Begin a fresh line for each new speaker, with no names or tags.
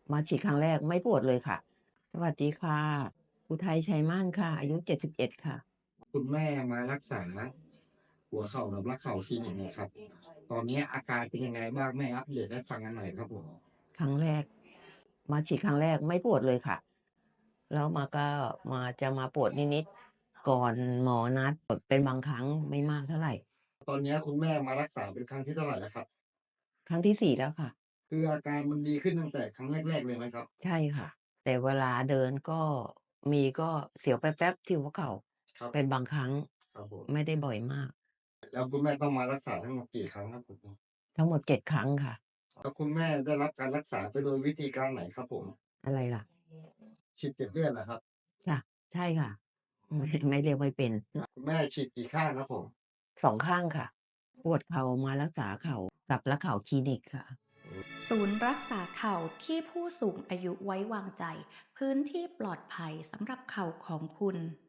มาฉีดครั้งแรกไม่ปวดเลยค่ะ สวัสดีค่ะ อุทัยชัยม่านค่ะ อายุ 71 ค่ะ
คุณแม่มารักษาหัวเข่ากับรักเข่าคลินิกเนี่ยครับ ตอนนี้อาการเป็นยังไงบ้างแม่อัปเดตให้ฟังกันหน่อยครับผม
ครั้งแรก มาฉีดครั้งแรกไม่ปวดเลยค่ะ แล้วก็จะมาปวดนิดๆก่อนหมอนัดปวดเป็นบางครั้งไม่มากเท่าไหร่
ตอนนี้คุณแม่มารักษาเป็นครั้งที่เท่าไหร่แล้วครับ
ครั้งที่ 4 แล้วค่ะ
คืออาการมันดีขึ้นตั้งแต่ครั้งแรกๆเลยไหมครับ
ใช่ค่ะ แต่เวลาเดินก็เสียวแป๊บๆที่หัวเข่า
ครับ
เป็นบางครั้ง
ครับผม
ไม่ได้บ่อยมาก
แล้วคุณแม่ต้องมารักษาทั้งหมดกี่ครั้งครับผม
ทั้งหมด7 ครั้งค่ะ
แล้วคุณแม่ได้รับการรักษาไปโดยวิธีการไหนครับผม
อะไรล่ะ
ฉีดเจ็บเลือดเหรอครับ
ค่ะใช่ค่ะไม่เรียกไม่เป็น
คุณแม่ฉีดกี่ข้างครับผม
2 ข้างค่ะปวดเข่ามารักษาเข่ากับรักเข่าคลินิกค่ะ
ศูนย์รักษาเข่าที่ผู้สูงอายุไว้วางใจ พื้นที่ปลอดภัยสำหรับเข่าของคุณ